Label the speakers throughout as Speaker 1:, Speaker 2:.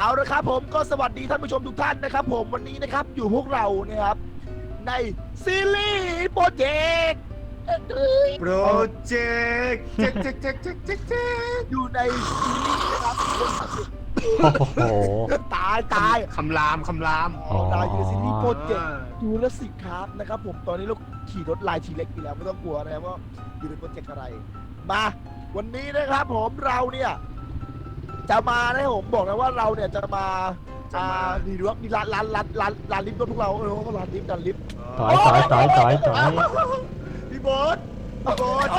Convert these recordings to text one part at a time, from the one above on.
Speaker 1: เอาละครับผมก็สวัสดีท่านผู้ชมทุกท่านนะครับผมวันนี้นะครับอยู่พวกเรานะครับในซีรีส์โปรเจกต์
Speaker 2: โปรเจกต์
Speaker 1: อยู่ในซีรีส์นะครับ
Speaker 3: โอ้โห
Speaker 1: ตาย
Speaker 2: คำราม
Speaker 1: เราอยู่ในซีรีส์โปรเจกต์จูราสสิกครับนะครับผมตอนนี้เราขี่รถลายทีเล็กอยู่แล้วไม่ต้องกลัวนะครับว่าอยู่ในโปรเจกต์อะไรมาวันนี้นะครับผมเราเนี่ยจะมานะผมบอกนะว่าเราเนี่ยจะมาดีดูว่ามีร้านลิฟต์รถพวกเราร้านลิฟต์
Speaker 3: ถอย
Speaker 1: พี่โบ๊ท
Speaker 3: โอ้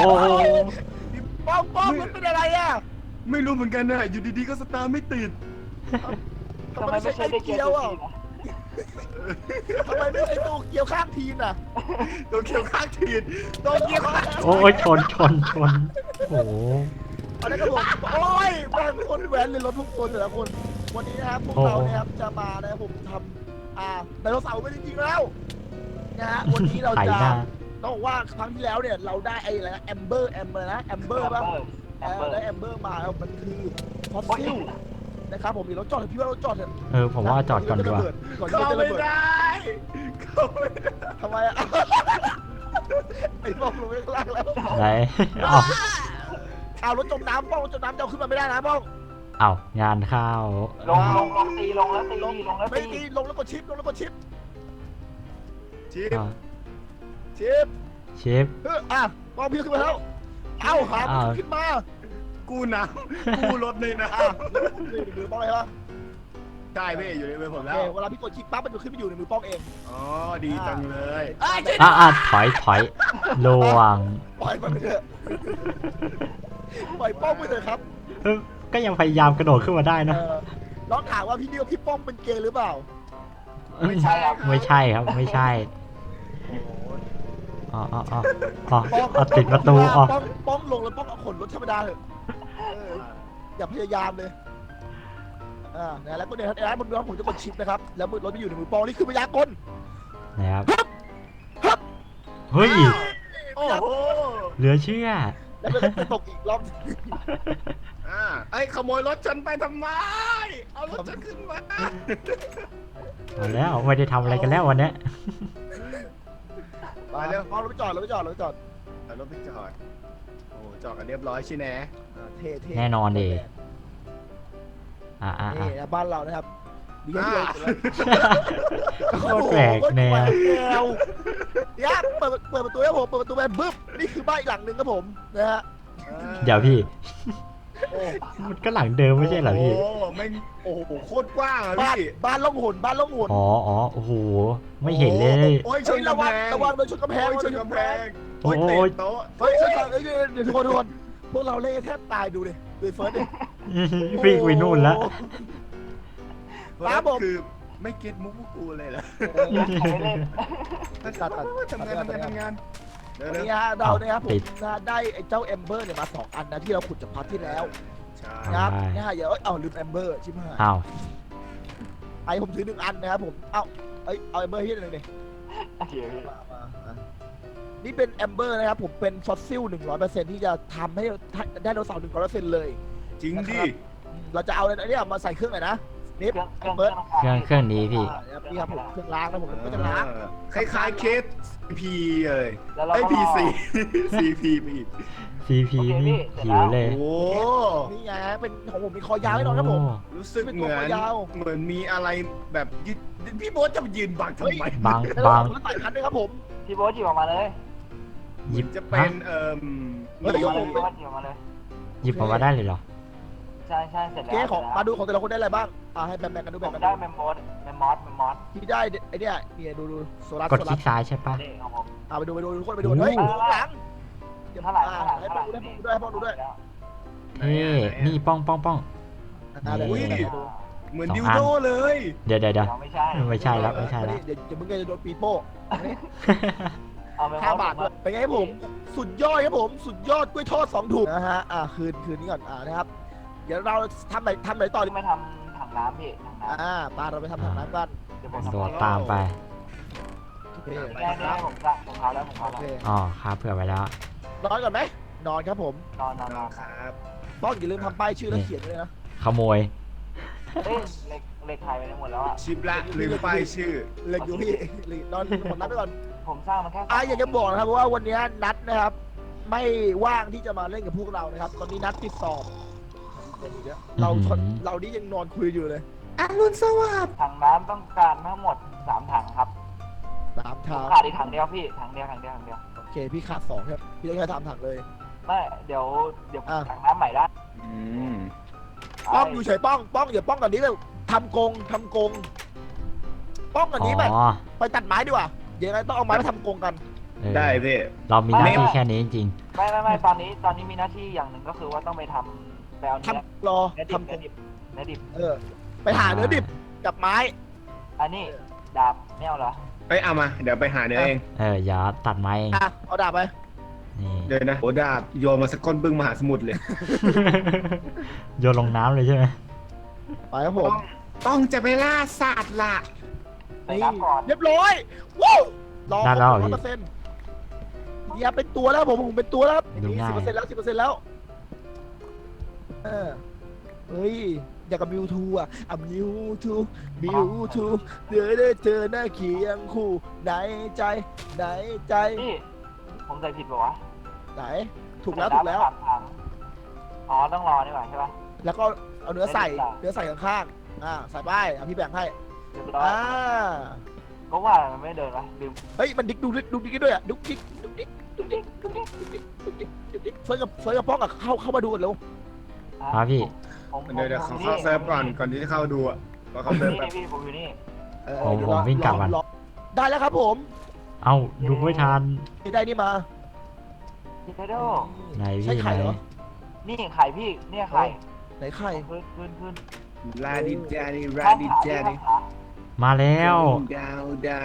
Speaker 1: ป้องมันเป็นอะไรอ่ะ
Speaker 2: ไม่รู้เหมือนกันนะอยู่ดีๆก็สตาร์ทไม่ติด
Speaker 1: ทำไมไม่ใช่ไอเกียวอ่ะทำไมไม่ใช่โตเกียวข้างทีมอ่ะ
Speaker 2: ตัวเขียวข้างทีน
Speaker 1: โตเกียวข้าง
Speaker 3: โอ้ยชนโอ้โห
Speaker 1: อันนั้นก็บอกโอ้ยแม่งคนแหวนเลยรถทุกคนแต่ละคนวันนี้นะครับพวกเราเนี่ยครับจะมานะครับผมทำไดโนเสาร์ไปจริงๆแล้วนะฮะวันนี้เราจะต้องบอกว่าครั้งที่แล้วเนี่ยเราได้ไอ้อะไรนะแอมเบอร์ป่ะได้แอมเบอร์มามันคือฟอสซิลนะครับผมมีรถจอดพี่ว่ารถจอดเถอะ
Speaker 3: ผมว่าจอดก่อนดีกว่า
Speaker 1: ก่อนที่
Speaker 2: เข้า
Speaker 1: จะระ
Speaker 2: ไม่
Speaker 1: เบิด
Speaker 2: ได้เข้าไม่ได้
Speaker 1: ทำไมอ่ะไอ้ป้องลงไปข้างล่างแล้ว
Speaker 3: ไหนเอา
Speaker 1: เอารถจมน้ำป้องรถจมน้ำจะเอาขึ้นมาไม่ได้นะป้อง
Speaker 3: เอางานเข้า
Speaker 4: ลงแล้วตี
Speaker 1: ไม่ตีลงแล้วกดชิป
Speaker 2: ชิป
Speaker 1: ชิป
Speaker 3: ชิป
Speaker 1: ป้องพี่ขึ้นมาแล้วเอาหาขึ้นมา
Speaker 2: กู้น้ำกู้รถเลยนะ
Speaker 1: หรือป้องอะไรวะ
Speaker 2: ใช่พี่อยู่ในมือผมแล้ว
Speaker 1: เวลาพี่กดชิปปั๊บมันจะขึ้นไปอยู่ในมือป้องเอง
Speaker 2: อ๋อดีจังเลย
Speaker 3: ถอยลวง
Speaker 1: ปล่อยมันไปเถอะปล่อยป้องไปเถอะครับ
Speaker 3: ก็ยังพยายามกระโดดขึ้นมาได้นะ
Speaker 1: น้องถามว่าพี่เดียวพี่ป้องเป็นเกย์หรือเปล่า
Speaker 3: ไม่ใช่ครับไม่ใช่ติดประตู
Speaker 1: ป้องลงแล้วป้องเอาขนรถธรรมดาเถอะอย่าพยายามเลยแล้วก็เนี่ยครับบนรถผมจะกดชิปนะครับแล้วรถไปอยู่ในมือป้องนี่คือพยากล
Speaker 3: นะครับเฮ้ย
Speaker 2: โอ้โห
Speaker 3: เหลือเชื่อ
Speaker 1: แล้วมันก็ตกอีกรอบ
Speaker 2: ไอ้ขโมยรถฉันไปทำไมเอารถฉันขึ้นมา
Speaker 3: เอาแล้วไม่ได้ทำอะไรกันแล้ววันนี้
Speaker 1: มาเร็วป้องรถไปจอด
Speaker 2: เอารถไปจอดโอ้จอดกันเรียบร้อยใช่ไหม
Speaker 1: เท่
Speaker 3: แน่นอนดิ
Speaker 1: นี่บ้านเรานะครับดีแค่เดียว
Speaker 3: โคตรแปลกแนว
Speaker 1: เนี่ยเปิดประตูให้ผมเปิดประตูไปบึ้บนี่คือบ้านอีกหลังหนึ่งครับผมนะฮะ
Speaker 3: เดี๋ยวพี่มันก็หลังเดิมไม่ใช่เหรอพี่
Speaker 2: โอ้ไม่โอ้โหโคตรกว้างอะพี่
Speaker 1: บ้านล่องหน
Speaker 3: อ๋อโอ้โหไม่เห็นเลย
Speaker 2: โอ้ยชนกำแพง
Speaker 1: ระวังโดนชนกำแพง
Speaker 2: ชนกำแพง
Speaker 3: โอ้ย
Speaker 2: เตะโต๊ะ
Speaker 1: เฮ้ยเดี๋ยวทุกคนพวกเราเล่แทบตายดูดิดูเฟิร์สดิ
Speaker 3: วิ่งไปนู่นแล้ว
Speaker 1: ครับผม
Speaker 2: คือไม่เก็ตมุกพวกกูเลยเหรอ
Speaker 1: ตัด
Speaker 2: ทำงานเดี๋ยว
Speaker 1: นี่ฮะเราเนี่ยครับผมได้ไอ้เจ้าแอมเบอร์เนี่ยมา2 อันนะที่เราขุดจากพาร์ทที่แล้วนะครับนี่ฮะอย่าลืมแอมเบอร์ชิบหาย
Speaker 3: อ้าว
Speaker 1: ไอ้ผมถือ1 อันนะครับผมเอาแอมเบอร์ที่หนึ่งดินี่เป็นแอมเบอร์นะครับผมเป็นฟอสซิล 100% ที่จะทำให้ได้ไดโนเสาร์ 100% เลย
Speaker 2: จริงดิ
Speaker 1: เราจะเอาอะไรเนี่ยมาใส่เครื่องไหนนะนิฟแอมเบอร์
Speaker 3: เครื่องนี้พี่
Speaker 1: นี่ครับผมเครื่องล้างนะผมก็จะล้าง
Speaker 2: คล้ายๆเคสพีเลยไอพีซีพีไปอีก
Speaker 3: CP นี่หิวเลย
Speaker 2: โอ้
Speaker 1: นี่ไงเป็นของผมมีคอยาวให้น้องครับผม
Speaker 2: รู้สึกเหมือนมีอะไรแบบยืนพี่โบ๊ทจะมายืนบังทำไม
Speaker 3: บาง
Speaker 1: แล้วใส่พันด้วยครับผม
Speaker 4: พี่โบ๊ทหยิบออกมาเลย
Speaker 3: หยิบ
Speaker 2: จะเป็น
Speaker 4: หยิบออกมาเลย
Speaker 3: หยิบออกมาได้เลยเหรอ
Speaker 4: ใช่เสร็จแล้ว
Speaker 1: เจ๊ของมาดูของแต่ละคนได้อะไรบ้างให้แบ่งกันดู
Speaker 4: ผ
Speaker 1: แบ่ง
Speaker 4: ม
Speaker 1: กัน
Speaker 4: ได้
Speaker 1: ดู
Speaker 4: แมมมอส
Speaker 1: ที่ได้ไอเนี่ยดูโซลาร์
Speaker 3: กดคลิกซ้ายใช่ปะ
Speaker 4: นี่ของผม
Speaker 1: ไปดูทุกคนไปดูเฮ้ยหลัง
Speaker 4: เท่าไหร่
Speaker 1: ให้พ่อดูด้วย
Speaker 3: เฮ้นี่ป้อง
Speaker 2: เหมือนดิวโดเลย
Speaker 3: เดี๋ยว
Speaker 4: ไม่ใช่
Speaker 3: ไม่ใช่แล้ว
Speaker 1: เดี๋ยวมึงจะโดนปีโป้
Speaker 4: เอาไป
Speaker 1: 5 บาทด้วยเป็นไงผมสุดยอดครับผมสุดยอดกล้วยทอด2 ถุงนะฮะคืนนี้ก่อนนะครับเดี๋ยวเราทำไหนต่อดี
Speaker 4: ที่มาทำถังน้ำพี่ถังน้ำ
Speaker 1: ปลาเราไปทำถังน้ำกัน
Speaker 4: เดี๋ยวผม
Speaker 3: โดดตามไป
Speaker 1: โอเค
Speaker 4: ได้ผมพาแล้ว
Speaker 3: อ๋อครับเผื่อไว้แล้ว
Speaker 1: นอนก่อนไหมนอนครับผม
Speaker 4: นอน
Speaker 2: ครับ
Speaker 1: ต้องอย่าลืมทำป้ายชื่อแล้วเขียนด้วยนะ
Speaker 3: ขโมย
Speaker 4: เอ้ยเหล็กหายไปหมดแล้วอ่ะ
Speaker 2: ชิปละลืมป้ายชื่อ
Speaker 1: เหล็กอยู่พี่เหล็กนอนผมนัดไปก่อน
Speaker 4: ผมสร้างมันแค่
Speaker 1: อยากจะบอกนะครับว่าวันนี้นัดนะครับ ไม่ว่างที่จะมาเล่นกับพวกเรานะครับ ตอนนี้นัดติดสอบเรานี่ยังนอนคุยอยู่เลยอรุณสวัสดิ์
Speaker 4: ถังน้ำต้องการทั้งหมด3 ถังครับ
Speaker 1: 3 ถัง
Speaker 4: ขาดอีกถังเดียวพี่ถังเดียว
Speaker 1: โอเคพี่ขาด2ครับพี่ได้แค่3 ถังเลย
Speaker 4: ไม่เดี๋ยวถังน้ำใหม่ได้
Speaker 1: ป้องอยู่เฉยป้องอย่าป้องก่อนนี้เลยทำกงป้องก่อนนี้แบบ
Speaker 3: อ๋อ
Speaker 1: ไปตัดไม้ดีกว่ายังไงต้องเอาไม้มาทำกงกัน
Speaker 3: เออ
Speaker 2: ได้พี่
Speaker 3: เรามีหน้าที่แค่นี้จริง
Speaker 4: ไม่ตอนนี้มีหน้าที่อย่างหนึ่งก็คือว่าต้องไปทำไปเอาเนื้อ
Speaker 1: รอ
Speaker 4: เนื้อ
Speaker 1: ทำกง
Speaker 4: ดิบ
Speaker 1: ไปหาเนื้อดิบกับไม้
Speaker 4: อันนี้ดาบไม่เอาเหรอ
Speaker 2: เอ้ยเอามาเดี๋ยวไปหาเนื้อเอง
Speaker 3: อย่าตัดไม้เอง
Speaker 1: เอาดาบไป
Speaker 3: นี่
Speaker 2: เดี๋ยวนะโอ้ดาบโยนมาสักก้นบึ้งมหาสมุทรเลย
Speaker 3: โยนลงน้ำเลยใช่ไหม
Speaker 1: ไปครับผม
Speaker 2: ต้องจะไปล่าสัตว์ละ
Speaker 4: ใส่น้ำก่อน
Speaker 1: เรียบร้อยว้าวรอ100%อย่าเป็นตัวแล้วผมเป็นตัวแล้ว10%แล้ว10%แล้วเฮ้ยอยากกับมิวทูอ่ะมิวทูเจอหน้าเคียงคู่ไหนใจ
Speaker 4: นี่ผมใส่ผิดป่าวะ
Speaker 1: ไหนถูกแล้ว
Speaker 4: ถังอ๋อต้องรอนี่หว่าใช่ป่ะ
Speaker 1: แล้วก็เอาเนื้อใส่ข้างๆใส่ไปพี่แบ่งให้
Speaker 4: เรียบร้อยก็ว่ามันไม่เดินวะลืม
Speaker 1: เฮ้ยมันดิ๊กดูดิ๊กด้วยอ่ะดุ๊กดิ๊กเฟิร์สกับป้องอ่ะเข้ามาดูกันเร็ว
Speaker 3: มาพี่
Speaker 2: เดี๋ยวเขาเข้าเซิร์ฟก่อนที่จะเข้าดูอ่ะว่าเขาเซิร์ฟแบบ
Speaker 4: พี่ผมอยู่นี่
Speaker 3: ผมวิ่งกลับมัน
Speaker 1: ได้แล้วครับผม
Speaker 3: เอ้าดูไม่ทัน
Speaker 1: ได้นี่มา
Speaker 4: พี่ไทโด
Speaker 3: ไหน
Speaker 1: ใช่
Speaker 3: พี่ไห
Speaker 1: ไข่
Speaker 3: น
Speaker 1: เหรอ
Speaker 4: นี่ไข่พี่เนี่ยไข่
Speaker 1: ไหนไข่
Speaker 4: ขึ้น
Speaker 2: ลาดิจานี่
Speaker 3: มาแล้ว
Speaker 2: ดาว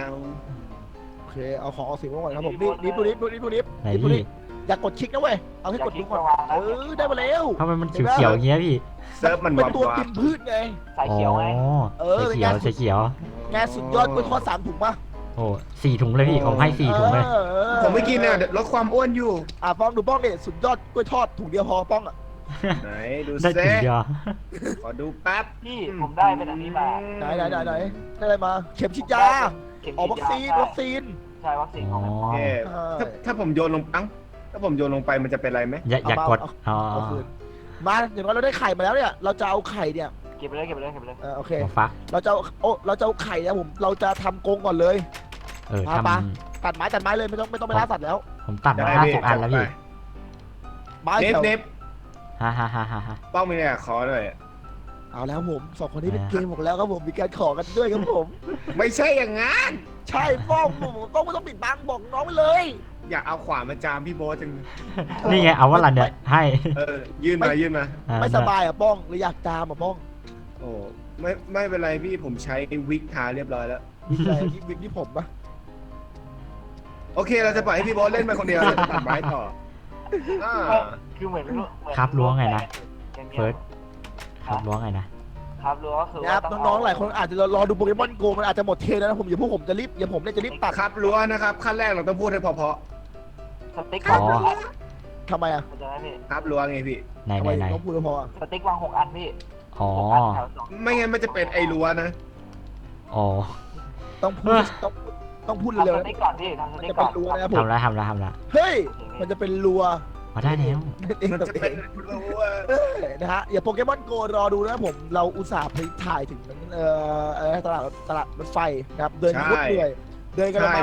Speaker 1: โอเคเอาของเอาสิ่งมาก่อนครับผมนี่ดูนิฟ
Speaker 3: ไหนพี่
Speaker 1: อย่ากดคลิกนะเว้ยเอาให้กดดูก่อนได้มาแล้ว
Speaker 3: ทำไมมันเขียวๆอย่างเงี้ยพี่
Speaker 2: เซิร์ฟมัน
Speaker 1: เป็น
Speaker 2: วับ
Speaker 1: ตัว
Speaker 2: วั
Speaker 1: กิ
Speaker 2: บ
Speaker 1: นพืชไง
Speaker 4: สายเขียวไง
Speaker 3: ใส่เขียว
Speaker 1: งานสุดยอดกล้วยทอด3 ถุงป่ะ
Speaker 3: โอ้4 ถุงเลยพี่ผมให้4 ถุงเลย
Speaker 2: ผมไม่กินเนี่ยลดความอ้วนอยู่
Speaker 1: ป้องดูป้องเนี่ยสุดยอดกล้วยทอดถุงเดียวพอป้องอ่ะ
Speaker 2: ไหนดู
Speaker 3: ได้
Speaker 2: เซ่
Speaker 3: ถุงเดียว
Speaker 2: ขอดูแป๊บ
Speaker 4: พี่ผมได้เป็นอันนี้มา
Speaker 1: ไหนได้อะไรมาเข็มฉีดยาวัคซีน
Speaker 4: ใช่วัคซีนของมัน
Speaker 2: โอเคถ้าผมโยนลงถ้าผมโยนลงไปมันจะเป็นไรไหม
Speaker 3: อย่ากดอ๋อ
Speaker 1: เอาคืนมาอย่างน้อยเราได้ไข่มาแล้วเนี่ยเราจะเอาไข่เนี่ย
Speaker 4: เก็บไปเลย
Speaker 1: โอเค
Speaker 3: ฟัก
Speaker 1: เราจะเอาไข่เนี่ยเราจะทำกรงก่อนเลย
Speaker 3: ท
Speaker 1: ตัดไม้เลยไม่ต้องไปล่าสัตว์แล้ว
Speaker 3: ำผมตัดมา50 อันแล้วพี่
Speaker 1: ไม้
Speaker 2: เน็บ
Speaker 3: ฮ่า
Speaker 2: ป้องมีเนี่ยขอหน่อย
Speaker 1: เอาแล้วผม2 คนนี้เป็นเกมผมแล้วครับผมมีการขอกันด้วยครับผม
Speaker 2: ไม่ใช่อย่างงั้น
Speaker 1: ใช่ป้องต้องไม่ต้องปิดบังบอกน้องไปเลย
Speaker 2: อยากเอาขวานมาจามพี่โบ๊ทจัง
Speaker 3: นี่ไงเอาว่าอะไรเนี่ยให้
Speaker 2: ยื่นมา
Speaker 1: ไม่สบายอ่ะป้องหรืออยากตามอ่ะป้อง
Speaker 2: โอ้ไม่เป็นไรพี่ผมใช้วิกทาเรียบร้อยแล้ว
Speaker 1: วิกที่ผมปะ
Speaker 2: โอเคเราจะปล่อยให้พี่โบ๊ทเล่นไปคนเดียวเราจะตัดไม้ต่อ
Speaker 4: คือเหมือน
Speaker 3: ครับล้วงไงนะเฟิร์สครับล้วงไงนะ
Speaker 4: ครับล้วงก็คือ
Speaker 1: นะครับน้องๆหลายคนอาจจะรอดูโปเกมอนโกมันอาจจะหมดเทแล้วนะผมผมจะรีบตัด
Speaker 2: ครับรั้วนะครับขั้นแรกเราต้องพูดให้เพอ
Speaker 4: สติ๊ก
Speaker 3: อ๋อ
Speaker 1: ทำไมอ่ะ
Speaker 4: มันจะได้พี่
Speaker 2: ๆครับรั้วไงพี่
Speaker 3: ไหน
Speaker 1: ทำไมต้องพูดพอ
Speaker 4: สติ๊กวาง6 อันพี่
Speaker 3: อ๋อ
Speaker 2: ไม่งั้นมันจะเป็นไอ้รั้วนะ
Speaker 3: อ๋อ
Speaker 1: ต้องพูด
Speaker 4: ทำ
Speaker 1: เร็ว
Speaker 4: ส
Speaker 1: ๆ
Speaker 4: ติ๊กก่อนพี่ทำส
Speaker 1: มัน
Speaker 4: ติ๊ก
Speaker 1: จะ
Speaker 4: ก่
Speaker 1: เป็
Speaker 4: อน
Speaker 1: นรัวนะครับผม
Speaker 3: ทำแล้ว
Speaker 1: เฮ้ยมันจะเป็นรัว
Speaker 3: มาได้แล้ว
Speaker 2: มันจะเป็นรั้ว
Speaker 1: นะฮะอย่าโปเกมอนโกรอดูนะครับผมเราอุตส่าห์ไปถ่ายถึงตลาดรถไฟนะครับเดินโคตรเหนื่อยเดินกันประมาณ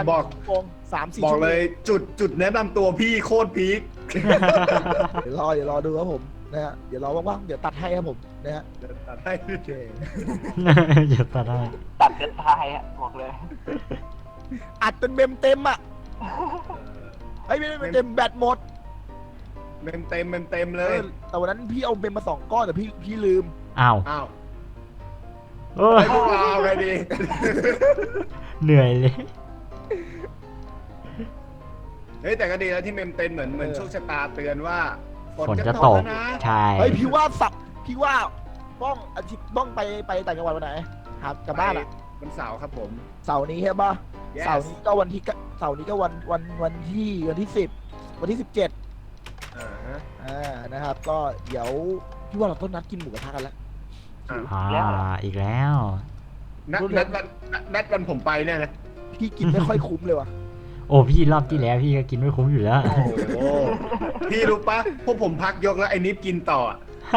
Speaker 1: 3-4
Speaker 2: บอก
Speaker 1: ชั่วโม
Speaker 2: เล
Speaker 1: ง
Speaker 2: ยจุดแนะนำตัวพี่โคตรพีค
Speaker 1: เดี๋ยวรอดูครับผมนะฮะเดี๋ยวรอว่างๆเดี๋ยวตัดให้ครับผมนะฮะ
Speaker 2: ตัดให้
Speaker 1: โอเค
Speaker 3: อย่าตัดได้
Speaker 4: ตัดเกินทายอ่ะบอกเลย
Speaker 1: อัดเป็นเมมเต็มอ่ะไอ้ไม่ได้เมมเต็มแบตหมด
Speaker 2: เต็มเลย
Speaker 1: แต่วันนั้นพี่เอาเมมมา2 ก้อนแต่พี่ลืม
Speaker 3: อ้าว
Speaker 2: อ้าว
Speaker 3: โอ้ย
Speaker 2: ให้พวกเราเอาไงดี
Speaker 3: เหนื่อยเลย
Speaker 2: เฮ้ยแต่ก็ดีแล้วที่เมมเต็มเหมือนโชคชะตาเตือนว่า
Speaker 3: ฝนจะตก
Speaker 2: นะ
Speaker 3: ใช่
Speaker 1: เฮ้ยพี่ว่าป้องอาทิตย์ป้องไปต่างจังหวัดวันไหนครับกลับบ้านอ่ะ
Speaker 2: วันเสาร์ครับผม
Speaker 1: เสาร์นี้ใช่ป่ะ
Speaker 2: Yes
Speaker 1: เสาร์นี้ก็วันที่10วันที่17
Speaker 2: อ่าฮะ
Speaker 1: นะครับก็เดี๋ยวพี่ว่าเราต้องนัดกินหมูกระทะกันแล้ว
Speaker 3: อีกแล้ว
Speaker 2: นัดวันผมไปเนี่ยนะ
Speaker 1: พี่กินไม่ค่อยคุ้มเลยว่ะ
Speaker 3: โอ้พี่รอบที่แล้วพี่ก็กินไม่คุ้มอยู่แล้ว
Speaker 2: โอ้โหพี่รู้ปะพวกผมพักยกแล้วไอ้นิฟกินต่อ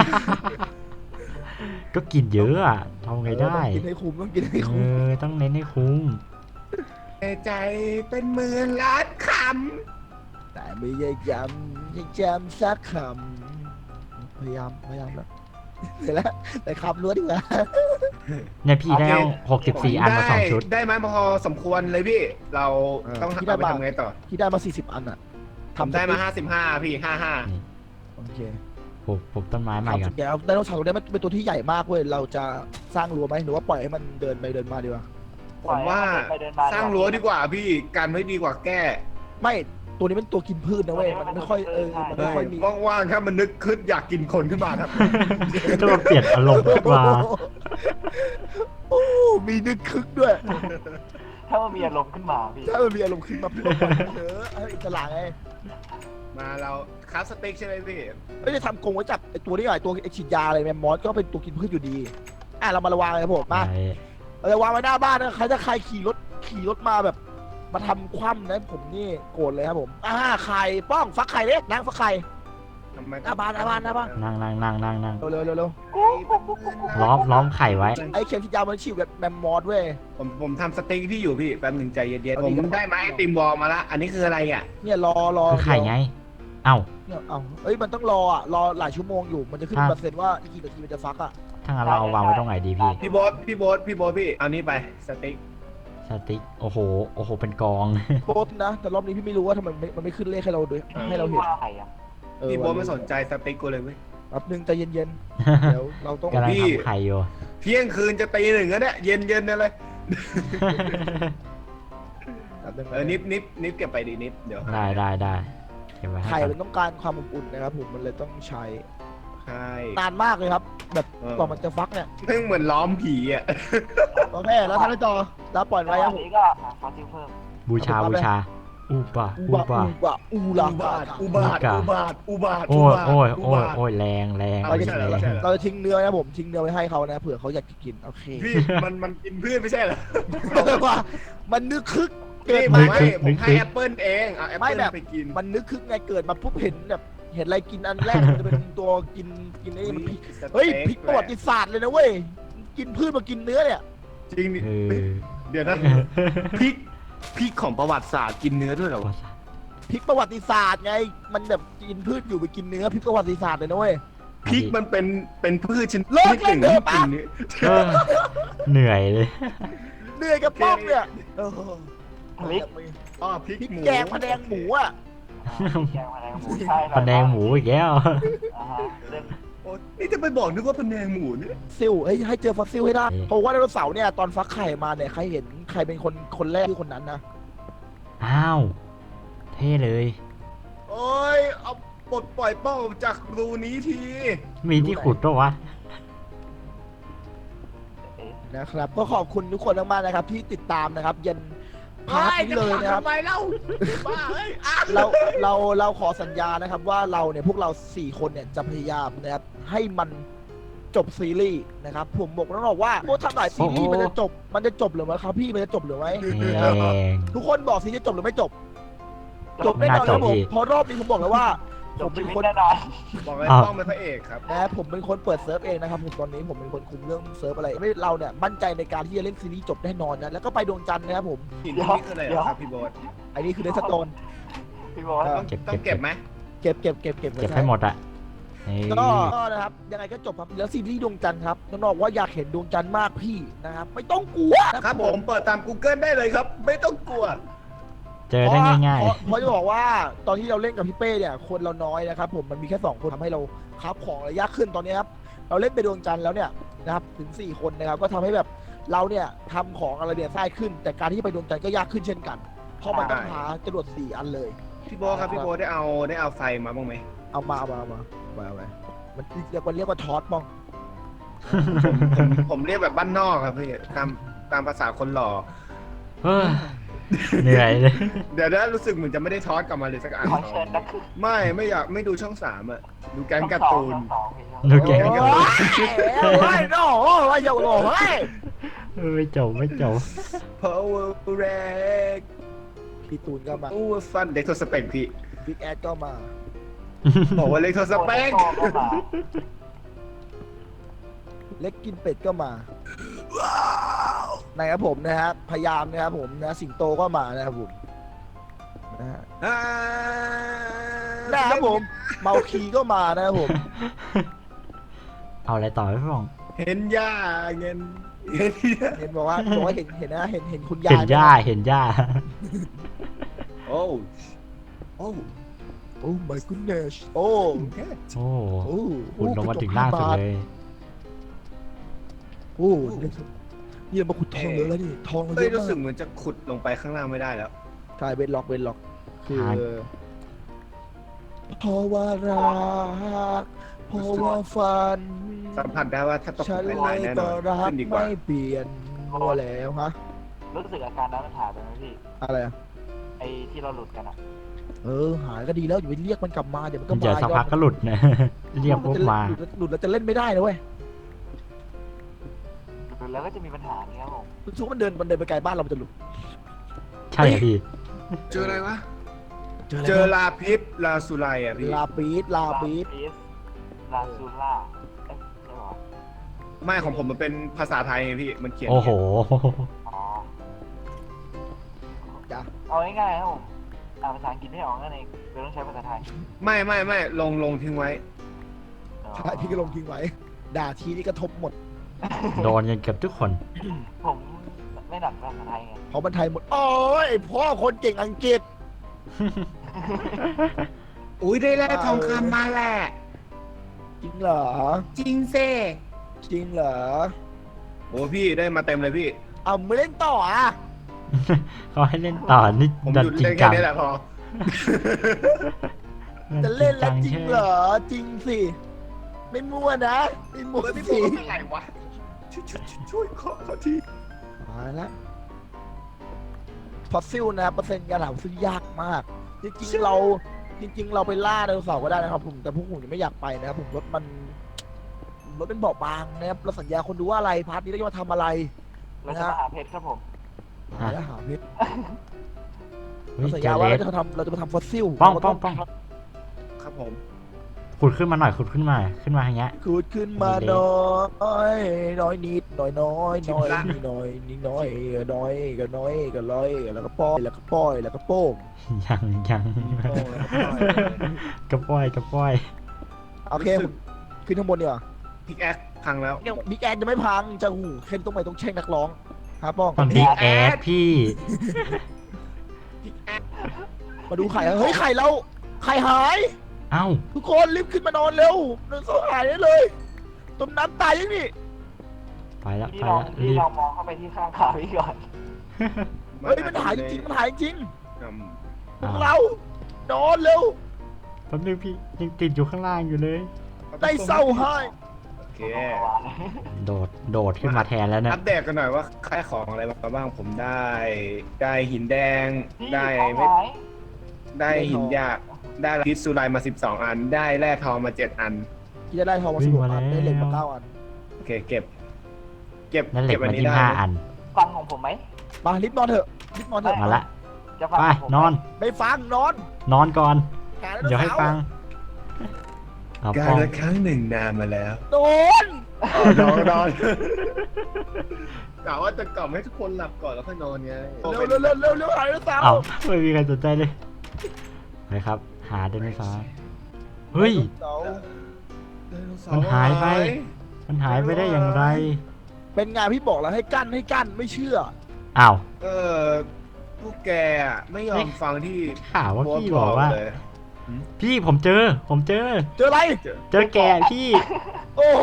Speaker 3: ก็กินเยอะอะทำไงได้
Speaker 1: ต้องกินให้คุ้มต้องกินให้
Speaker 3: เอ
Speaker 1: คุ้ม
Speaker 3: อต้องเน้นให้คุ้ม
Speaker 2: ใจเป็นหมื่นล้านค
Speaker 1: แต่ไม่ได้จำสักคำพยายามแล้วเสร็จแล้วแต่คำล้วนดีกว่า
Speaker 3: เนี่ยพี่ได้
Speaker 2: ำ
Speaker 3: 64 อันมา2 ชุด
Speaker 2: ได้ไหมพอสมควรเลยพี่ เราต้องเอาไปทำไงต่อ
Speaker 1: ที่ได้มา40 อันอ่ะ
Speaker 2: ทำได้มา55พี่
Speaker 1: โอ
Speaker 2: 55
Speaker 1: เค
Speaker 3: ปลูกต้นไม้ใหม่ก่อน
Speaker 1: เดี๋ยวไดโนเสาร์ตัวนี้มันเป็นตัวที่ใหญ่มากเว้ยเราจะสร้างรั้วไหมหรือว่าปล่อยให้มันเดินไปเดินมาดีกว่า
Speaker 2: ผมว่าสร้างรั้วดีกว่าพี่กันไว้ดีกว่าแก้
Speaker 1: ไม่ตัวนี้เป็นตัวกินพืชนะเว้ยมันไม่ค่อยมันไม่ค่อยมี
Speaker 2: ว่างๆถ้ามันนึกขึ้นอยากกินคนขึ้นมาครับ
Speaker 3: ต้องมาเปลี่ยนอารมณ์ขึ้นมา
Speaker 1: โอ้มีนึกคึกด้วย
Speaker 4: ถ้ามันมีอารมณ์ขึ้นมาพี่
Speaker 1: ถ้ามันมีอารมณ์ขึ้นมาพี่เอออิสระไง
Speaker 2: มาเราคราฟสเต็กใช่ไหมพี่
Speaker 1: ไม่ได้ทำกรงไว้จับไอตัวนี้หน่อยตัวไอฉีดยาอะไรแมมมอสก็เป็นตัวกินพืชอยู่ดีเรามาระวังเลยครับผมมาระวังไว้หน้าบ้านนะใครขี่รถมาแบบมาทำคว่ำนะผมนี่โกรธเลยครับผมไข่ป้องฟักไข่เด้นั่งฟักไข่
Speaker 2: ทำไม
Speaker 1: หน้าบ้าน
Speaker 3: นั่ง
Speaker 1: เร็ว
Speaker 3: ล้อมไข่ไว้
Speaker 1: ไอเข็มฉีดยามันฉีดแบบแมมมอสเว้ย
Speaker 2: ผมทำสเต็กที่อยู่พี่แป๊บหนึ่งใจเย็นๆผมได้ไม้ไอติมวอลมาละอันนี้คืออะไรอ่ะ
Speaker 1: เนี่ยรอ
Speaker 3: คือไข่ไง เอ้า
Speaker 1: เนี่ยมันต้องรอหลายชั่วโมงอยู่มันจะขึ้นเปอร์เซ็นต์ว่ากี่นาทีมันจะฟัก
Speaker 3: ถ้างั้นเราเอาวางไว้ตรงไหนดีพี่
Speaker 2: พี่โบ๊ทพี่เอานี่ไปสเต็ก
Speaker 3: สติ๊กโอ้โหเป็นกอง
Speaker 1: โป๊ตนะแต่รอบนี้พี่ไม่รู้ว่าทำไมมันไม่ขึ้นเลขให้เราด้วยให้เราเห็น
Speaker 4: ไข่อะ
Speaker 2: พี่โบ๊ทไม่สนใจสเต็กกูเลยเว้ย
Speaker 1: แป๊บนึงใจเย็นๆเดี๋ยวเราต้อง
Speaker 3: กำลังทำไข่อยู่
Speaker 2: เที่ยงคืนจะตีหนึ่งแล้วเนี่ยเย็นๆเลย นิฟเก็บไปดีนิฟเดี๋ยว
Speaker 3: ได้เก็บไว้ให้
Speaker 1: ไข่
Speaker 3: ก่อ
Speaker 1: มัน นต้องการความอบอุ่นนะครับผมมันเลยต้องใช้
Speaker 2: ใช่
Speaker 1: นานมากเลยครับ แบบกว่ามันจะฟักเนี่ย
Speaker 2: ซึ่งเหมือนล้อมผีอ่ะ
Speaker 1: โอเคแล้วท่านจอแล้วปล่อย
Speaker 4: แล้ว
Speaker 1: ไว้ครับ
Speaker 4: อัน
Speaker 1: ผม
Speaker 4: นี้ก็หาฟอสซิลเพิ่ม
Speaker 3: บูชาอูปะ
Speaker 1: อุบาท
Speaker 3: โอ้ยแรงแรง
Speaker 1: เราจะทิ้งเนื้อนะผมทิ้งเนื้อไว้ให้เขานะเผื่อเขาอยากจะกินโอเค
Speaker 2: พี่มันกินเพื่อนไม่ใช่เหรอ
Speaker 1: ว่ามันนึกคึกเกิ
Speaker 2: พี่
Speaker 1: ด
Speaker 2: ไม่
Speaker 1: มา
Speaker 2: ผมให้แอปเปิลเองเอาแอปเปิลไปกิน
Speaker 1: มันนึกคึกไงเกิดมาปุ๊บเห็นแบบเห็นอะไรกินอันแรกมันจะเป็นตัวกินไอ้มันพลิกเฮ้ยพลิกประวัติศาสตร์เลยนะเว้ยกินพืชมากินเนื้อเนี่ย
Speaker 2: จริงดิเดี๋ยวนะพริกของประวัติศาสตร์กินเนื้อด้วยเหรอวะ
Speaker 1: พลิกประวัติศาสตร์ไงมันแบบกินพืชอยู่ไปกินเนื้อพลิกประวัติศาสตร์เลยนะเว้ย
Speaker 2: พริกมันเป็นพืชชนิด
Speaker 1: เลิก
Speaker 2: หนึ่ง
Speaker 1: เลิ
Speaker 2: ที่
Speaker 1: ก
Speaker 2: กินเนื้อ
Speaker 3: เหนื่อยเลย
Speaker 1: เหนื่อยกับป้อมเนี่ยพริก
Speaker 2: พริก
Speaker 1: พริก
Speaker 2: หมู
Speaker 1: แกงพะแนงหมูอ่ะ
Speaker 4: แกงพะแนงหมูใช่
Speaker 3: พะแนงหมูอีกแล้ว
Speaker 2: โอ้นี่จะไปบอกนึกว่าพะแนงหมูเนี่ย
Speaker 1: ซิลให้เจอฟอสซิลให้ได้เพราะว่าไดโนเสาร์เนี่ยตอนฟักไข่มาเนี่ยใครเห็นใครเป็นคนแรกคือคนนั้นนะ
Speaker 3: อ้าวเท่เลย
Speaker 2: โอ้ยเอาปลดปล่อยเป้าจากรูนี้ที
Speaker 3: มีที่ขุดปะวะ
Speaker 1: นะครับก็ขอบคุณทุกคนมากๆนะครับที่ติดตามนะครับยันพาร์ทนี้เลยนะครับ
Speaker 2: ทำไมเล่าบ้าเอ้ย
Speaker 1: เราขอสัญญานะครับว่าเราเนี่ยพวกเรา4คนเนี่ยจะพยายามนะครับให้มันจบซีรีส์นะครับผมบอกน้องๆว่าโอ้ทำหลายซีรีส์มันจะจบหรือไม่ครับพี่มันจะจบหรือไม่
Speaker 3: แรง
Speaker 1: ทุกคนบอกซีรีส์จะจบหรือไม่จบจบแน่นอนครับผมเพราะรอบนี้ผมบอกแล้วว่า
Speaker 4: จ
Speaker 1: ผ
Speaker 4: บ
Speaker 1: ม
Speaker 4: ชี
Speaker 1: เป็น
Speaker 4: วิต
Speaker 1: คน
Speaker 4: แน่นอน
Speaker 2: บอกเลยต้องเป็นพระเอกครับ
Speaker 1: นะผมเป็นคนเปิดเซิร์ฟเองนะครับผมตอนนี้ผมเป็นคนคุมเรื่องเซิร์ฟอะไรไม่เราเนี่ยมั่นใจในการที่จะเล่นซีรีส์จบแน่นอนนะแล้วก็ไปดวงจันทร์นะครับผม
Speaker 2: หินนี่คืออะไรครับพี่โบ๊ท
Speaker 1: อันนี้คือเดสโตน
Speaker 4: พี่บอกว่า
Speaker 2: ต้องเก็บไหม
Speaker 1: เก็บ
Speaker 3: เก็บให้หมดอ่ะ
Speaker 1: ก็นะครับยังไงก็จบครับแล้วซีรีส์ดวงจันทร์ครับน้องๆว่าอยากเห็นดวงจันทร์มากพี่นะครับไม่ต้องกลัว
Speaker 2: ครับผมเปิดตาม Google ได้เลยครับ ไม่ต้องกลัว
Speaker 3: เจอได้ง่าย
Speaker 1: เพราะจะบอกว่าตอนที่เราเล่นกับพี่เป้เนี่ยคนเราน้อยนะครับผมมันมีแค่2คนทำให้เราคับของระยะขึ้นตอนนี้ครับเราเล่นไปดวงจันทร์แล้วเนี่ยนะครับถึง4คนนะครับก็ทำให้แบบเราเนี่ยทำของอะไรเนี่ยง่ายขึ้น แต่การที่ไปดวงจันทร์ก็ยากขึ้นเช่นกันเพราะมันต้องหาจรวด4อันเลย
Speaker 2: พี่โบ๊ทครับพี่โบ๊ทได้เอาไฟมาบ้างไหม
Speaker 1: เอามามันเรียกว่าทอสบ้อง
Speaker 2: ผมเรียกแบบบ้านนอกครับพี่ตามภาษาคนหล่อ
Speaker 3: ๆเฮ้ยเหนื่อยเลย
Speaker 2: เดี๋ยวนะรู้สึกเหมือนจะไม่ได้ทอดกลับมาเลยสักอัน
Speaker 4: ขอเชิญนักคือ
Speaker 2: ไม่อยากไม่ดูช่อง 3อ่ะดูแก๊งการ์ตูน
Speaker 3: ดูแก
Speaker 1: โอ้ยโอ้ยโน่โอ้ยโยโน่เฮ้ย
Speaker 3: ไม่จบไม่จบ
Speaker 2: Power Break
Speaker 1: พี่ตูนก็มา
Speaker 2: Power Fun เด็กทศเปกพี่
Speaker 1: บิ๊กแอดก็มา
Speaker 2: บอกว่าเล็กทศเปก
Speaker 1: เล็กกินเป็ดก็มานะครับผมนะฮะพยายามนะครับผมนะสิงโตก็มานะครับผมนะฮะนะครับผมเมาคีก็มานะครับผม
Speaker 3: เอาอะไรต่อพี่ฟอง
Speaker 2: เห็นย่าเงินเห็นย่า
Speaker 1: เห็นบอกว่าเห็นนะเห็นคุณยา
Speaker 3: เห็
Speaker 1: ย
Speaker 3: นหญ้าเห็นหญ้า
Speaker 2: โอ้โอ้
Speaker 1: โอ้ my goodness โอ้
Speaker 3: โอ้
Speaker 1: โอ้
Speaker 3: ขุดลงมาถึงล่างสุดเลย
Speaker 1: โอ้นี่มาขุดทองเยอะแล้วนี่ทองเย
Speaker 2: เฮ้ย
Speaker 1: อะ
Speaker 2: รู้สึก
Speaker 1: มาก
Speaker 2: เหมือนจะขุดลงไปข้างล่างไม่ได้แล้ว
Speaker 1: ใช่เวนล็อกคือ
Speaker 3: หา
Speaker 1: เพราะว่ารักเพราะว่าฝัน
Speaker 2: สัมผัสได้ว่าถ้าตก
Speaker 1: ฉัน
Speaker 2: ไป
Speaker 1: เล
Speaker 2: ลาย
Speaker 1: ย
Speaker 2: แน่น
Speaker 1: ก็
Speaker 2: อน
Speaker 1: รัก
Speaker 2: ขึ้นดีกว่า
Speaker 1: ไม่เปลี่ยนมัวแล้วฮะ
Speaker 4: รู้สึกอาการนั้นมันหายไปไหมพี่
Speaker 1: อะไรอ่ะ
Speaker 4: ไอ้ที่เราหลุดกันอะ
Speaker 1: หายก็ดีแล้วอย่าไปเรียกมันกลับมาเดี๋ยวมันก็
Speaker 3: เดี๋ยว
Speaker 1: มา
Speaker 3: สักพักก็หลุดนะ เรียกปุ๊บมา
Speaker 1: หลุดแล้วจะเล่นไม่ได้นะเว้ย
Speaker 4: หลุดแล้วก็จะมีปัญหาอย่างเงี้ยครับผม
Speaker 1: ทุกมันเดินไปไกลบ้านเรามันจะหลุด
Speaker 3: ใช่เหรอพี่
Speaker 2: เจออะไรวะ
Speaker 1: เจอ
Speaker 2: เจอลาพิษลาสุไลอ่ะพี่
Speaker 1: ลาปีดลาปีด
Speaker 4: ลาซูล่าเอ๊ะใช่เหรอ
Speaker 2: ไม่ของผมมันเป็นภาษาไทยไงพี่มันเขียน
Speaker 3: โอ้โห
Speaker 4: อ๋อ
Speaker 1: จ้ะ
Speaker 4: เอาง่ายๆครับผมอ่านภาษาอังกฤษไม่ออกนั่นเองเลยต้องใช้ภาษาไทย
Speaker 2: ไม่ลงทิ้งไว้
Speaker 4: อ๋อ
Speaker 1: ใช่พี่ก็ลงทิ้งไว้ ด่าทีนี่กระทบหมด
Speaker 3: โดนกันเกือบทุกคน
Speaker 4: ผมไม่หนักภาษาไทยไง
Speaker 1: เพราะมันไทยหมด โอ้ยไอ้พ่อคนเก่งอังกฤษ
Speaker 2: อุ้ยได้แร่ทองคำมาแหละ
Speaker 1: จริงเหรอ
Speaker 2: จริงเซ่
Speaker 1: จริงเหรอ
Speaker 2: โอ้พี่ได้มาเต็มเลยพี่
Speaker 1: เอาไม่เล่นต่ออ่ะ
Speaker 3: เขาให้เล่นต่อนี่
Speaker 2: ผม
Speaker 3: ดั
Speaker 2: ห
Speaker 3: น
Speaker 2: ยุด
Speaker 3: จริง
Speaker 2: เล่น
Speaker 3: จั
Speaker 2: แค่
Speaker 3: ง
Speaker 2: นี้แหละพอ
Speaker 1: จะเล่นแล้วจริง
Speaker 3: ใช่
Speaker 1: เหรอ จริงสิ ไม่มั่วนะ ไม่มั่ว
Speaker 2: พี่
Speaker 1: สิ
Speaker 2: พูดอะไรวะช่วยขอเขาที
Speaker 1: มาแล้วฟอสซิลนะเปอร์เซ็นต์การหาฟอสซิลยากมาก จริงๆเราไปล่าไดโนเสาร์ก็ได้นะครับผมแต่พวกผมยังไม่อยากไปนะครับผมรถเป็นเบาะบางนะครับเราสัญญาคนดูว่าอะไรพาร์ทนี้เราจะมาทำอะไร
Speaker 4: เราจะมาหาเพชรครับผม
Speaker 1: หาแล้วหาเพชร
Speaker 3: เฮ้
Speaker 1: เรา
Speaker 3: ย
Speaker 1: สัญ
Speaker 3: เจ
Speaker 1: ญา
Speaker 3: อ
Speaker 1: ว่า
Speaker 3: เล
Speaker 1: เรา
Speaker 3: ส
Speaker 1: จะมาทำฟอสซิล
Speaker 3: ป้อง
Speaker 1: เรา
Speaker 3: ป้
Speaker 1: ต้
Speaker 3: องป้อง
Speaker 2: ครับผม
Speaker 3: ขุดขึ้นมาหน่อยขุดขึ้นมาอย่างเงี้ย
Speaker 1: ขุดขึ้นมาน้อยน้อยนิดน้อยน้อยน้อยนิดน้อยนิดน้อยน้อยก็น้อยก็ร้อยแล้วก็ป้อยแล้วก็ป้อยแล้วก็โป้ง
Speaker 3: ยังกระป้อย
Speaker 1: โอเคผมขึ้นข้างบนดีกว่า
Speaker 2: พิกแอคพังแล้ว
Speaker 1: ยังบิ๊กแอนจะไม่พังจะหูเคนต้องไปต้องเช็คนักร้องครับป้อง
Speaker 3: มันบิ๊กแอดพี่
Speaker 1: มาดูไข่เฮ้ยไข่เราไข่หาย
Speaker 3: เอ้า
Speaker 1: ทุกคนรีบขึ้นมานอนเร็วเดินโซ่หายได้เลยต้มน้ำตายยังนี่
Speaker 3: ไปแล้ว
Speaker 4: พี่
Speaker 3: ไป
Speaker 4: ลอง
Speaker 3: แล้ว
Speaker 4: พี่
Speaker 3: รีบ
Speaker 4: ลองมองเข้าไปที่ข้างขาพี่ก่อน
Speaker 1: เฮ้ยมันหายจริงมันหายจริง
Speaker 2: อืม
Speaker 1: พวกเรานอนเร็ว
Speaker 3: แป๊บนึงพี่ยังติดอยู่ข้างล่างอยู่เลย
Speaker 1: ได้เศร้าให้
Speaker 2: โอเค
Speaker 3: โดดขึ้นมาแทนแล้วนะ
Speaker 2: อัปเดตกันหน่อยว่าค่ายของอะไรมาบ้างผมได้หินแดง
Speaker 4: พี่
Speaker 2: ได้
Speaker 4: เอา
Speaker 2: ไม่
Speaker 4: ไว้
Speaker 2: ได้หินหยาบได้พิษสุไลมา12 อัน ได้แร่ทองมา7 อัน
Speaker 1: ที่จะได้ทองมา16 อันได้เหล็กมา9 อัน
Speaker 2: โอเคเก็บ
Speaker 3: นั่นเหล็
Speaker 2: เก็
Speaker 3: ก
Speaker 2: บอั
Speaker 3: มาน
Speaker 2: นี้
Speaker 3: ที่
Speaker 2: ได้
Speaker 3: 5 อัน
Speaker 4: ฟังของผมไหม
Speaker 1: มารีบนอนเถอะรีบนอนเถอะ
Speaker 3: มาละ
Speaker 4: จะฟัง
Speaker 3: ไป
Speaker 4: ของผมไหม
Speaker 3: นอน
Speaker 1: ไม่ฟังนอน
Speaker 3: นอนก่อน
Speaker 1: หาไ
Speaker 3: เดี๋ยวให้ฟังเอา
Speaker 2: กา
Speaker 3: ป้อง
Speaker 2: รละครั้งหนึ่งนานมาแล้ว
Speaker 1: โดน
Speaker 2: นอนกะว่าจะกล่อมให้ทุกคนหลับก่อนแล้วค่อยนอนไง
Speaker 1: เร็วหาไดโนเสาร์
Speaker 3: เอาไม่มีใครสนใจเลยไปครับ หาไดโนเสาร์เฮ้ย มันหายไป มันหายไปได้อย่างไร
Speaker 1: เป็นไงพี่บอกแล้วให้กั้นไม่เชื่อ
Speaker 3: อ้าว
Speaker 2: พวกแกอะไม่ยอมฟังที่
Speaker 3: ข่าวว่าพี่บอกว่า
Speaker 2: เลย
Speaker 3: พี่ผมเจอ
Speaker 1: เจออะไร
Speaker 3: เจอแกพี่
Speaker 1: โอ้โห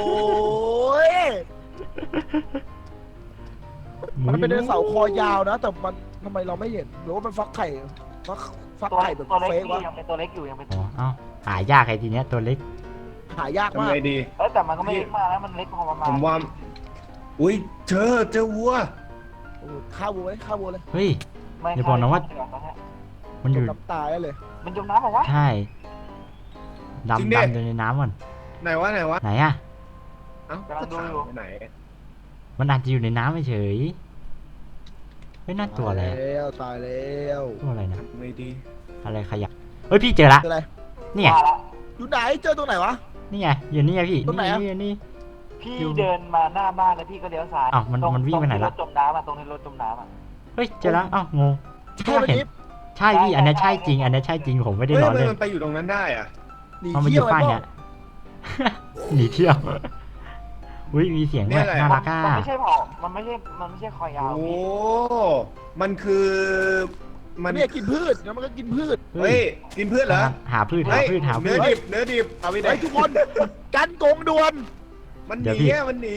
Speaker 1: มันเป็นไดโนเสาร์คอยาวนะ แต่มันทำไมเราไม่เห็นหรือว่ามันฟักไข่ฟัก
Speaker 4: ตัว
Speaker 1: ไข่แบบ
Speaker 4: ตัวเล็ก
Speaker 1: เฟก
Speaker 4: พี่
Speaker 1: วะ
Speaker 4: ยังเป็นตัวเล็กอยู่ยังเป็น
Speaker 3: อ๋อเอ้าหายากไอ้ทีเนี้ยตัวเล็ก
Speaker 1: หายาก
Speaker 2: ทำ
Speaker 1: มาก
Speaker 2: ไงดี
Speaker 4: แต่มันก็ไม่เล็กมากนะมันเล็กพอประมาณ
Speaker 2: ผมว่า อุ้ยเจอวัว
Speaker 1: โอ้ฆ่าวัวเลย
Speaker 3: เฮ้ย
Speaker 4: ไม่
Speaker 3: อย่าบอกนะว่า มันอยู่
Speaker 1: น้ำตายได้เลย
Speaker 4: มันจมน้ำเหรอวะ
Speaker 3: ใช่
Speaker 2: จริง
Speaker 3: ดำ
Speaker 2: ดิ
Speaker 3: ดำอยู่ในน้ำก่อน
Speaker 2: ไหนวะไหนวะ
Speaker 3: ไหนอะ
Speaker 2: เอ้าก็ถามไปไหน
Speaker 3: มันอาจจะอยู่ในน้ำเฉยไม่น่าตัวอะไร
Speaker 1: ตายแล้ว
Speaker 3: ตัวอะไรนะ
Speaker 2: ไม่ดี
Speaker 3: อะไรขยักเฮ้ยพี่เจอละ
Speaker 1: คืออะไร
Speaker 3: นี่ไง
Speaker 4: ว่าละ
Speaker 1: อยู่ไหนเจอตรงไหนวะ
Speaker 3: นี่ไงอยู่นี่ไงพี่
Speaker 1: ตรงไหนอะ
Speaker 3: นี่
Speaker 4: พี่
Speaker 3: อยู่
Speaker 4: เดินมาหน้าบ้านแล้วพี่ก็เลี้ยวซ้าย
Speaker 3: อ้าวมันวิ่งไปไหนละ
Speaker 4: ตรงที่รถจมน้ำอ่ะตรงที่รถจมน้ำอ่ะ
Speaker 3: เฮ้ยเจอแล้วอ้าวงง
Speaker 1: ใช่ไหม
Speaker 3: เห็น
Speaker 1: นิฟ
Speaker 3: ใช่พี่อันนี้ใช่จริง อันนี้ใช่จริงผมไม่ได้
Speaker 2: เฮ้ย
Speaker 3: ล้อ
Speaker 2: ทำไม
Speaker 3: เล่น
Speaker 2: มันไปอยู่ตรงนั้นได้อะ
Speaker 1: หนี
Speaker 3: มันมาอ
Speaker 1: เที่ย
Speaker 3: ยู่
Speaker 1: ว
Speaker 3: ป้าย
Speaker 1: ไอ้
Speaker 3: เนี่ย หนีเที่ยวอุ้ยมีเสียงด้วยน่ารักอ่ะ
Speaker 4: มันไม่ใช่เผามันไม่ใช่คอยาว
Speaker 2: โอ้
Speaker 4: พี่
Speaker 2: มันคือมัน
Speaker 1: เนี่ยกินพืชแล้วมันก็กินพืช
Speaker 2: เฮ้ยกินเพื่อนเหรอ
Speaker 3: หาพืชหา
Speaker 2: เฮ้ย
Speaker 3: พืชหาพื
Speaker 2: เนื้อ
Speaker 3: ช
Speaker 2: ดิบเนื้อดิบเอาไปไหน
Speaker 1: ไอ้ยทุกคน กันโกงด่วน
Speaker 2: มันห
Speaker 3: เดี๋ยว
Speaker 2: นี
Speaker 3: พี่
Speaker 2: อะมันหนี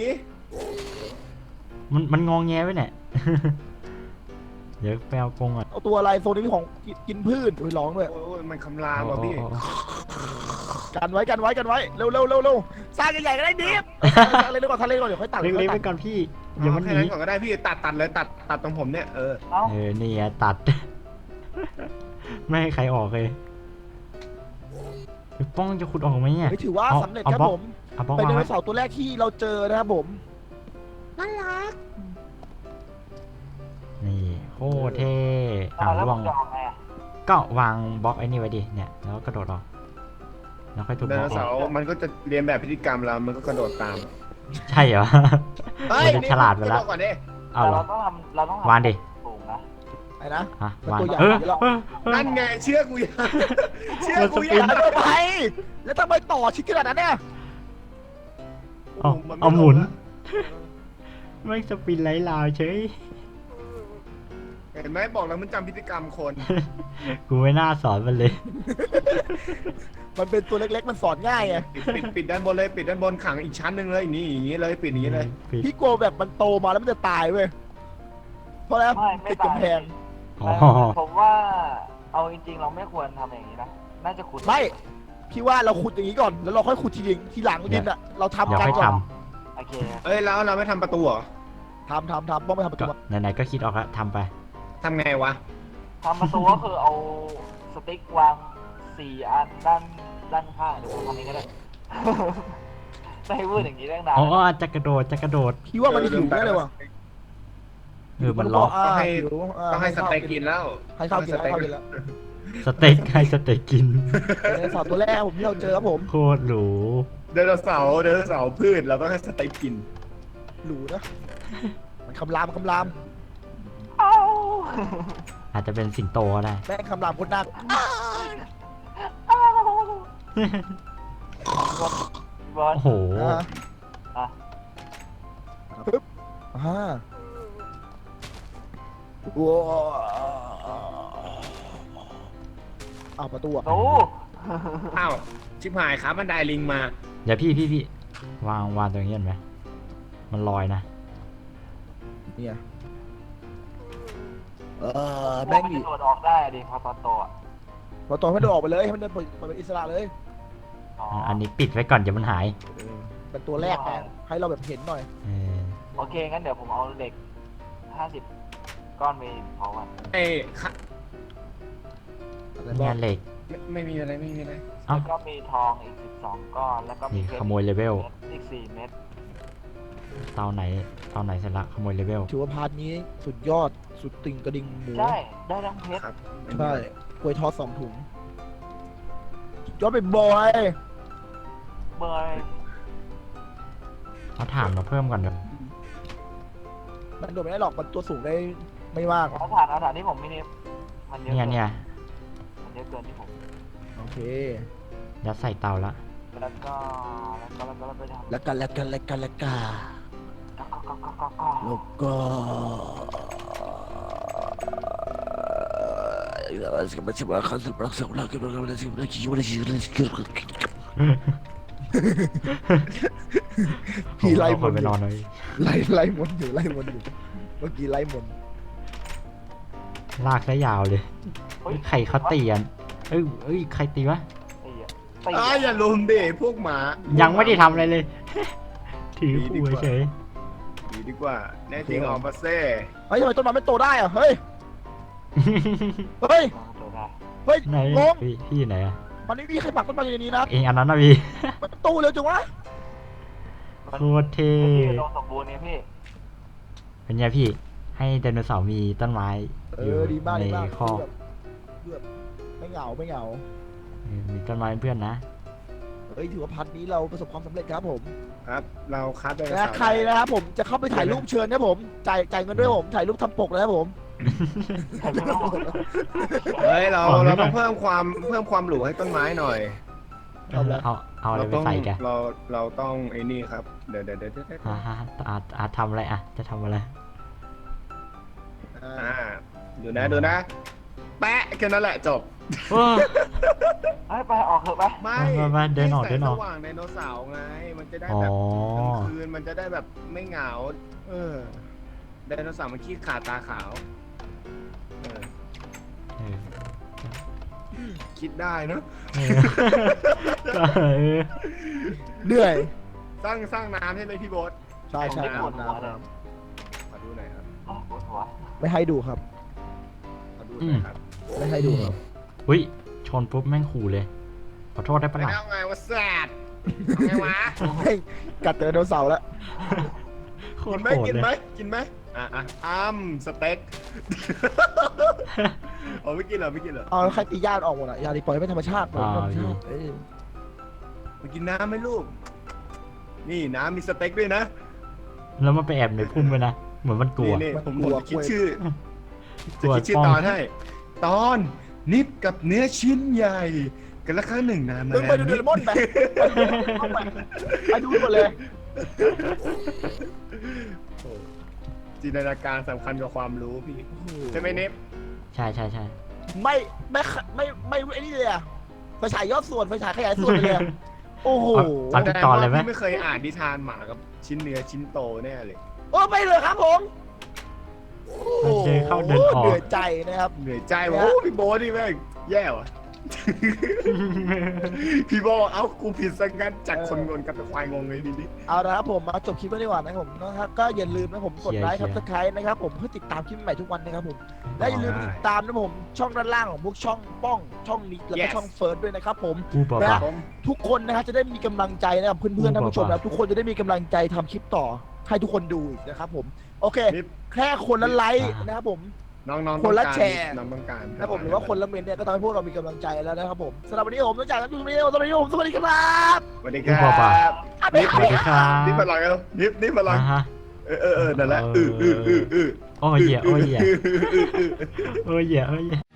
Speaker 3: มันงองแงไว้เนี่ย เดี๋ยวไปเอากรงอ่ะ
Speaker 1: เอาตัวอะไรโซนนี้ของกินพืชไปร้องด้วย
Speaker 2: โอ้ยมันคำรามว่ะพี่
Speaker 1: กันไว้กันไว้กันไว้เร็วเร็วเร็วเร็วสร้างใหญ่ๆก็ได้ดิฟทะเลก่อนทะเลก่อนเดี๋ยวค่อยตัด
Speaker 3: เล็กๆไปก่อนพี่เดี๋ยวมันห
Speaker 2: แค่
Speaker 3: นี
Speaker 2: นั้นก่อนก็ได้พี่ตัดเลยตัดตรงผมเนี่ย
Speaker 4: เอ้า
Speaker 3: นี่ไงตัด ไม่ให้ใครออกเลยป้องจะขุดออกไหมเนี่ย
Speaker 1: ไม่ถือว่าสำเร็จครับผม
Speaker 3: เอาบล็อก
Speaker 1: เป็นได
Speaker 3: วาง
Speaker 1: โน
Speaker 3: ไว้
Speaker 1: เสาร์ตัวแรกที่เราเจอนะครับผมน่ารัก
Speaker 3: นี่โคตรเท่
Speaker 4: แล้ว
Speaker 3: ล่ว
Speaker 4: มั
Speaker 3: ง
Speaker 4: นจะออกไงอ่ะ
Speaker 3: ก็วางบล็อกไอ้นี่ไว้ดิเนี่ยแล้วก็กระโดดออกแล้วค่อยทุบ
Speaker 2: ได
Speaker 3: บ
Speaker 2: โน
Speaker 3: ล็อก
Speaker 2: เสาร์มันก็จะเรียนแบบพฤติกรรมเรา มันก็กระโดดตาม
Speaker 3: ใช่เหรอ มันจะฉลาดไปแล้ว
Speaker 2: ก่อนดิ
Speaker 3: เอาเหรอ
Speaker 4: เราต้องทำ
Speaker 3: วางดิ
Speaker 4: สูงนะ
Speaker 1: ไอ้นะ
Speaker 3: ฮะ
Speaker 1: มัน
Speaker 3: วาง
Speaker 1: ตัวใหญ่
Speaker 2: นั่นไงเชื่อกูยังเชื่อกู
Speaker 1: อ
Speaker 2: ยั
Speaker 1: ย่าง ทำไมแล้วทำไมต่อชิ้นขนาดนั้นเนี่ย
Speaker 3: เอาหมุน ไม่สปินไหลลาวเฉย
Speaker 2: เห็นไหมบอกแล้วมันจำพฤติกรรมคน
Speaker 3: กูไม่น่าสอนมันเลย
Speaker 1: มันเป็นตัวเล็กๆมันสอนง่ายไง
Speaker 2: ปิดด้านบนเลยปิดด้านบนขังอีกชั้นหนึ่งเลยนี่อย่างนี้เลยปิดอย่างนี้เลย
Speaker 3: ปิด
Speaker 1: พี่กลัวแบบมันโตมาแล้วมันจะตายเว้ยเพราะแล้ว
Speaker 4: ไม่
Speaker 1: ติด
Speaker 4: ตาย
Speaker 1: กำแพง
Speaker 3: อ๋อ
Speaker 4: ผมว่าเอาจริงๆเราไม่ควรทำอย่างนี้นะน่าจะขุด
Speaker 1: ไม่พี่ว่าเราขุดอย่างนี้ก่อนแล้วเราค่อยขุดทีหลังดินอ่ะเราทำ
Speaker 3: เดี๋ยว
Speaker 1: กัน
Speaker 3: ค่อย
Speaker 1: ก่อน
Speaker 3: ท
Speaker 4: โอเค
Speaker 2: เอ้ยแล้วเราไม่ทำประตูเหรอ
Speaker 1: ทำต้องไปทำประ
Speaker 3: ำก็
Speaker 1: ตู
Speaker 3: ไหนๆก็คิดออกแล้วทำไป
Speaker 2: ทำไงวะ
Speaker 4: ทำประตูก็คือเอาสติ๊กวาง4 อันด้านข้างเดี๋ยวผมทำเองก็ได้ ไม่ให้พูดอย่างนี้ตั้งนาน
Speaker 3: อ๋อจะกระโดด
Speaker 1: พี่ว่ามันหิวแน่เลยว่ะ
Speaker 3: มันล็อก
Speaker 1: า
Speaker 2: ต้องให้
Speaker 1: หิว
Speaker 2: ต้องให้สเต็กกินแล้ว
Speaker 1: ให้ข้าวกินแล้ว
Speaker 3: สเต็กให้สเต็กกิน
Speaker 1: ไดโนเสาร์ตัวแรกผมที่เราเจอครับผม
Speaker 3: โคตรหรู
Speaker 2: ไดโนเสาร์พืชเราต้องให้สเต็กกิน
Speaker 1: หรูนะมันคำราม
Speaker 4: เอ้า
Speaker 3: อาจจะเป็นสิงโตก็ได้
Speaker 1: แม่งคำรามโคตรน่า
Speaker 4: บอล
Speaker 3: โอ้โห
Speaker 4: อ่ะ
Speaker 1: ปึ๊บว้าวอ้าวประตูอ่ะ
Speaker 4: โอ้
Speaker 2: อ้าวชิบหายขาบันไดลิงมา
Speaker 3: เดี๋ยวพี่วางตรงนี้เห็นไหมมันลอยนะ
Speaker 1: เนี่ย
Speaker 4: แม่ง
Speaker 1: แม่งดิ
Speaker 4: โดดออกได้ดิพอตอนโตอ่ะ
Speaker 1: พอตอนให้มันออกไปเลยให้มันเดินเปิดเป็นอิสระเลย
Speaker 3: อันนี้ปิดไว้ก่อนเดี๋ยวมันหาย
Speaker 1: เป็นตัวแรกไงให้เราแบบเห็นหน่อย
Speaker 3: เออ
Speaker 4: โอเคงั้นเดี๋ยวผมเอาเหล็ก50 ก้อนไปเผาอ่ะ
Speaker 2: เอ้ยขะ
Speaker 3: งานเหล็ก
Speaker 2: ไม่มีอะไร
Speaker 3: เอ้า
Speaker 4: แล้วก็มีทองอีก12 ก้อนแล้วก็มี
Speaker 3: นี่
Speaker 4: เพช
Speaker 3: ข
Speaker 4: ร
Speaker 3: โมยเลเวล
Speaker 4: อีก4 เม็ด
Speaker 3: เตาไหนเสร็จละขโมยเลเวล
Speaker 1: ถือว่าพาร์ทนี้สุดยอดสุดติ่งกระดิ่งหมู
Speaker 4: ใช่ได้ทั้งเพชร
Speaker 2: ครับ
Speaker 1: ใช่กล้วยทอด2 ถุงยอดเป็นบอย
Speaker 4: เบอร์
Speaker 3: เอาถ่านมาเพิ่มก่อนเดี๋ยว
Speaker 1: มันโดดไม่ได้หรอกมันตัวสูงได้ไม่มาก
Speaker 4: เอาฐานที่ผมไม่เนฟมันเยอะ
Speaker 3: เนี่ย
Speaker 4: มันเยอะเกินที่ผม
Speaker 1: โอเค
Speaker 3: ยัดใส่เตาละ
Speaker 4: แล้วก็ไปทำ
Speaker 1: แล้วกัน
Speaker 4: ก็
Speaker 1: แล้วก็แล้วพี่ไล่
Speaker 3: ผมเอาคนไปนอนเลย
Speaker 1: ไล่มนต์อยู่เมื่อกี้ไล่มนต์
Speaker 3: ลากซะยาวเลยใครเขาตีกันเอ้ยใครตีวะ
Speaker 2: อย่าลุมดิพวกหมา
Speaker 3: ยั
Speaker 2: ยัง
Speaker 3: ไม่ได้ทำอะไรเลย ถือขู่เฉย
Speaker 2: ดีดีกว่าแน่จริงออกมาเซ่
Speaker 1: เฮ้ยทำไมต้นไม้ไม่โตได้อะเฮ้ยเฮ้ย
Speaker 4: เดี๋ยวนะ
Speaker 1: เฮ้ย
Speaker 3: ไหน
Speaker 1: งง
Speaker 3: พี่ไหนอะ
Speaker 1: มันไม่มีใครปักต้นไม้อยู่ในนี้นะ
Speaker 3: เองอันนั้นนะพี่
Speaker 1: มันตู้เร็วจังวะ
Speaker 3: โคตรเท่
Speaker 4: พี่อุดมสมบูรณ์เนี่ยพี่
Speaker 3: เป็นไงพี่ ให้ไดโนเสาร์มีต้นไม้อยู่
Speaker 1: ดีมาก
Speaker 3: ใน
Speaker 1: ดีมาก
Speaker 3: คอก
Speaker 1: แบบไม่เหงาไม่เหงา
Speaker 3: มีต้นไม้เป็นเพื่อนนะ
Speaker 1: เฮ้ยถือว่าพันนี้เราประสบความสำเร็จครับผม
Speaker 2: ครับ เราคัดไดโน
Speaker 1: และ
Speaker 2: เสาร์
Speaker 1: ใครนะครับผมจะเข้าไปถ่ายรูปเชิญนะผมจ่ายเงินด้วยผมถ่ายรูปทำปกนะครับผม
Speaker 2: เฮ้ยเราต้องเพิ่มความหรูให้ต้นไม้หน่อย
Speaker 3: เอาอะไรไปใส่แก
Speaker 2: เราต้องไอ้นี่ครับเดี๋ยว
Speaker 3: อาทำอะไรอะจะทำอะไร
Speaker 2: ดูนะแปะแค่นั้นแหละจบ
Speaker 4: เฮ้ยไปออกเถอะไป
Speaker 2: ไม่
Speaker 3: มาเดินออก
Speaker 2: ให้
Speaker 3: เดินออก
Speaker 2: แสงสว่างไดโนเสาร์ไง มันจะได้
Speaker 3: อ๋อ
Speaker 2: แบบกลางคืนมันจะได้แบบไม่เหงาไดโนเสาร์มันขี้ขาดตาขาวคิดได้เนอะ
Speaker 3: ก็
Speaker 1: เหนื่อย
Speaker 2: สร้างน้ำใช่ไหมพี่โบ๊ท
Speaker 1: ใช่ใช่
Speaker 4: ปวดหัวเลย
Speaker 2: ขอดูหน่อยครับ
Speaker 4: ปวดหัว
Speaker 1: ไม่ให้ดูครับ
Speaker 2: ขอดูหน่อยครับ
Speaker 1: ไม่ให้ดูครับ
Speaker 3: อุ้ยชนปุ๊บแม่งขู่เลย ขอโทษได้ปะ
Speaker 2: ไม่
Speaker 3: ล่ะ
Speaker 2: เอาไงว่าแซดไงวะ
Speaker 1: ให้กัดไดโนเสาร์แล้ว
Speaker 3: โค
Speaker 2: กิ
Speaker 3: ต
Speaker 2: น
Speaker 3: ร
Speaker 2: ไหม
Speaker 3: โหด
Speaker 2: กิน
Speaker 3: เลย
Speaker 2: ไหมกินไหมสเต็กอ๋อไม่กินเหรอไม่กินเหรอ
Speaker 1: เอาแล้วใครตีญาติออกหมดอะยาดีปล่อยให้เป็นธรรมชาติปล่อยให้เป็นธรรมชาติเอ้ย
Speaker 2: มากินน้ำไหมลูก นี่น้ำมีสเต็กด้วยนะ
Speaker 3: แล้วมันไปแอบในพุ่มไปนะ เหมือนมันกลัว
Speaker 2: นี่ผมจะคิดชื่อ
Speaker 3: กลัว
Speaker 2: จะคิดชื่อ
Speaker 3: ป้อง
Speaker 2: ตอนให้ ตอนนิดกับเนื้อชิ้นใหญ่ กันละครั้งหนึ่งนานมา
Speaker 1: มึงไปดูเดลมอนไปไปดูหมดเลย
Speaker 2: จินตนาการสำคัญกว่าความรู้พี่ใช่ไหมเนฟ
Speaker 3: ใช่ใช่ใช่
Speaker 1: ไม่ไอ้นี่เลยอะไฟฉายยอดส่วนไฟฉายขยายส่วนไปเลยอะโอ้โห
Speaker 3: เอาทุกตอนเลยไหม
Speaker 2: พี่ไม่เคยอ่านนิทานหมากับชิ้นเนื้อชิ้นโตแน่เลย
Speaker 1: โอ้ไปเลยครับผมโอ้โห
Speaker 3: เดินเข้าเดินออก
Speaker 1: เหนื่อยใจนะครับ
Speaker 2: เหนื่อยใจว่ะโอ้พี่โบ๊ทนี่แม่งแย่ว่ะ พี่โบเอ้ากูผิดสังกันจากคนงงกับควายงงเลยดิ
Speaker 1: เอาละครับผมมาจบคลิปไว้ดีกว่านะครับผมนะครับก็อย่าลืมนะผมกดไลค์ครับสไครต์นะครับผมเพื่อติดตามคลิปใหม่ทุกวันนะครับผมและอย่าลืมติดตามนะผมช่องด้านล่างของพวกช่องป้องช่องนี้แล้วก็ช่องเฟิร์สด้วยนะครับผม
Speaker 3: กูบอก
Speaker 1: นะ
Speaker 3: ว่า
Speaker 2: ผม
Speaker 1: ทุกคนนะครับจะได้มีกำลังใจนะครับเพื่อนๆท่านผู้ชมนะครับทุกคนจะได้มีกำลังใจทำคลิปต่อให้ทุกคนดูอีกนะครับผมโอเค
Speaker 2: นิด
Speaker 1: แค่คนละไลค์นะครับผม
Speaker 2: น้องๆ
Speaker 1: คนละ
Speaker 2: ต้องการ
Speaker 1: แชร์
Speaker 2: น้องต้องการ
Speaker 1: นะครับผมหรือว่าคนละเมนเนี่ยก็ทำให้พวกเรามีกำลังใจแล้วนะครับผมสำหรับวันนี้ผมต้องจากกันตรงนี้สวัสดีครับสวัสดีครับ
Speaker 2: สวัสดีค
Speaker 3: กู
Speaker 2: รั
Speaker 3: บอกว่า
Speaker 2: บ
Speaker 1: นิด
Speaker 3: สวัสดีครับ
Speaker 2: นิดมาลอยกันนิดมาลอย
Speaker 3: อ่าฮะ
Speaker 2: นั่นแหละ
Speaker 3: โอ้ยเหี้ยโอ้ยเหี้ยโอ้ยเหี้ยโอ้ยเหี้ย